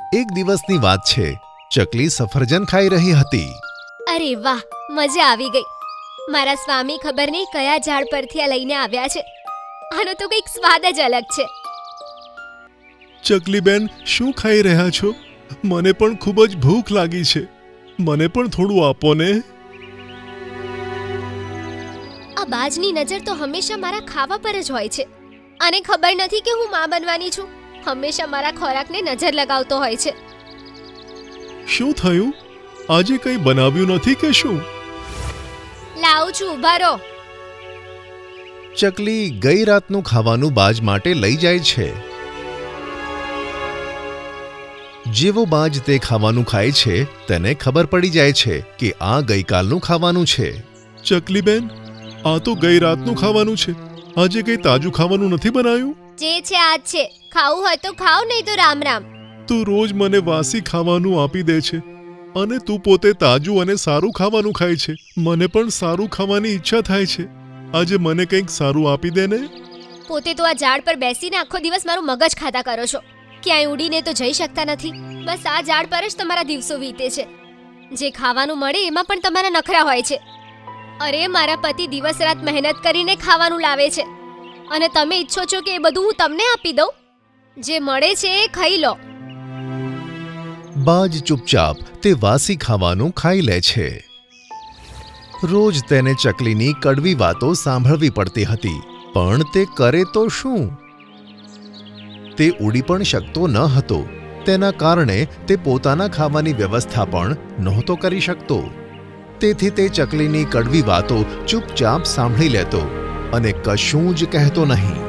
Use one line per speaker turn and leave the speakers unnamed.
એક દિવસની વાત છે. ચકલી સફરજન ખાઈ રહી હતી.
અરે વાહ, મજા આવી ગઈ. મારા સ્વામી ખબર નહીં કયા ઝાડ પરથી આ લઈને આવ્યા છે. આનો તો કંઈક સ્વાદ જ અલગ છે.
ચકલીબેન, શું ખાઈ રહ્યા છો? મને પણ ખૂબ જ ભૂખ લાગી છે. મને પણ થોડું આપો ને.
આ બાજની નજર તો હંમેશા મારા ખાવા પર જ હોય છે. આને ખબર નથી કે હું માં બનવાની છું. હંમેશા મારા ખોરાકને નજર લગાવતો હોય છે.
શું થયું? આજે કંઈ બનાવ્યું નથી કે શું?
લાવું છું, ઊભા રહો.
ચકલી ગઈ રાતનું ખાવાનું બાજ માટે લઈ જાય છે. જેવો બાજ તે ખાવાનું ખાય છે તેને ખબર પડી જાય છે કે આ ગઈકાલનું ખાવાનું છે.
ચકલીબેન, આ તો ગઈ રાતનું ખાવાનું છે. આજે કંઈ તાજું ખાવાનું નથી બનાવ્યું?
જે છે આજ છે. ખાવું હોય તો ખાઓ, નહીં તો રામ રામ.
તું રોજ મને વાસી ખાવાનું આપી દે છે અને તું પોતે તાજું અને સારું ખાવાનું ખાય છે. મને પણ સારું ખાવાની ઈચ્છા થાય છે. આજે મને કંઈક સારું આપી દે ને.
પોતે તો આ ઝાડ પર બેસીને આખો દિવસ મારું મગજ ખાતા કરો છો. ક્યાંય ઉડીને તો જઈ શકતા નથી. બસ આ ઝાડ પર જ તમારા દિવસો વીતે છે. જે ખાવાનું મળે એમાં પણ તમારા નખરા હોય છે. અરે, મારા પતિ દિવસ રાત મહેનત કરીને ખાવાનું લાવે છે અને તમે ઈચ્છો છો કે એ બધું હું તમને આપી દઉં? જે મળે છે એ ખાઈ લો.
બાજ ચૂપચાપ તે વાસી ખાવાનું ખાઈ લે છે. રોજ તેને ચકલીની કડવી વાતો સાંભળવી પડતી હતી, પણ તે કરે તો શું? તે ઉડી પણ શકતો ન હતો. તેના કારણે તે પોતાના ખાવાની વ્યવસ્થા પણ નહોતો કરી શકતો. તેથી તે ચકલીની કડવી વાતો ચૂપચાપ સાંભળી લેતો અને કશું જ કહેતો નહીં.